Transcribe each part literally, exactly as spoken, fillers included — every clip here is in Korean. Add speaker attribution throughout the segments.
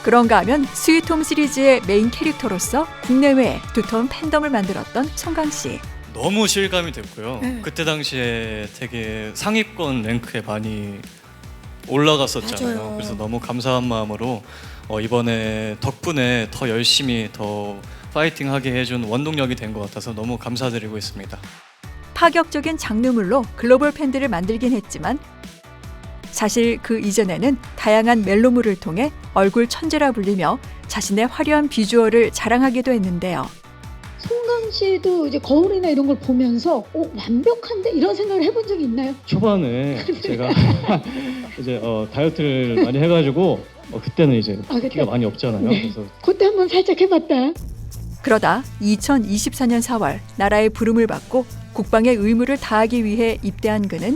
Speaker 1: 그런가 하면 스위트홈 시리즈의 메인 캐릭터로서 국내외에 두터운 팬덤을 만들었던 송강 씨.
Speaker 2: 너무 실감이 됐고요.
Speaker 3: 네.
Speaker 2: 그때 당시에 되게 상위권 랭크에 많이 올라갔었잖아요.
Speaker 3: 맞아요.
Speaker 2: 그래서 너무 감사한 마음으로 어, 이번에 덕분에 더 열심히 더 파이팅하게 해준 원동력이 된 것 같아서 너무 감사드리고 있습니다.
Speaker 1: 파격적인 장르물로 글로벌 팬들을 만들긴 했지만 사실 그 이전에는 다양한 멜로물을 통해 얼굴 천재라 불리며 자신의 화려한 비주얼을 자랑하기도 했는데요.
Speaker 3: 송강 씨도 이제 거울이나 이런 걸 보면서 어, 완벽한데 이런 생각을 해본 적이 있나요?
Speaker 4: 초반에 제가 이제 어, 다이어트를 많이 해가지고 어, 그때는 이제
Speaker 3: 아, 그때?
Speaker 4: 키가 많이 없잖아요.
Speaker 3: 네.
Speaker 4: 그래서
Speaker 3: 그때 한번 살짝 해봤다.
Speaker 1: 그러다 이천이십사 년 사월 나라의 부름을 받고 국방의 의무를 다하기 위해 입대한 그는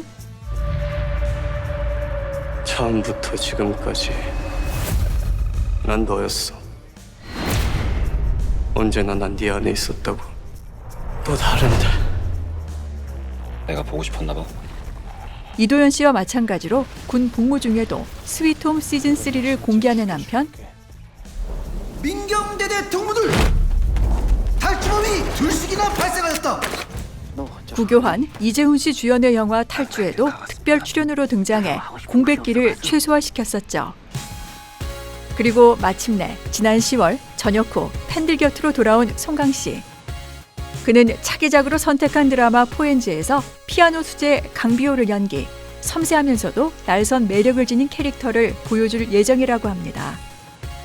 Speaker 5: 처음부터 지금까지 난 너였어. 언제나 난 네 안에 있었다고. 또 다른데.
Speaker 6: 내가 보고 싶었나 봐.
Speaker 1: 이도현 씨와 마찬가지로 군 복무 중에도 스위트홈 시즌 쓰리를 공개하는 한편
Speaker 7: 민경대대 동무들 탈주범이 둘씩이나 발생하였다.
Speaker 1: 구교환, 이재훈 씨 주연의 영화 탈주에도 특별 출연으로 등장해 공백기를 최소화시켰었죠. 그리고 마침내 지난 시월 전역 후 팬들 곁으로 돌아온 송강 씨. 그는 차기작으로 선택한 드라마 포엔즈에서 피아노 수제 강비호를 연기, 섬세하면서도 날선 매력을 지닌 캐릭터를 보여줄 예정이라고 합니다.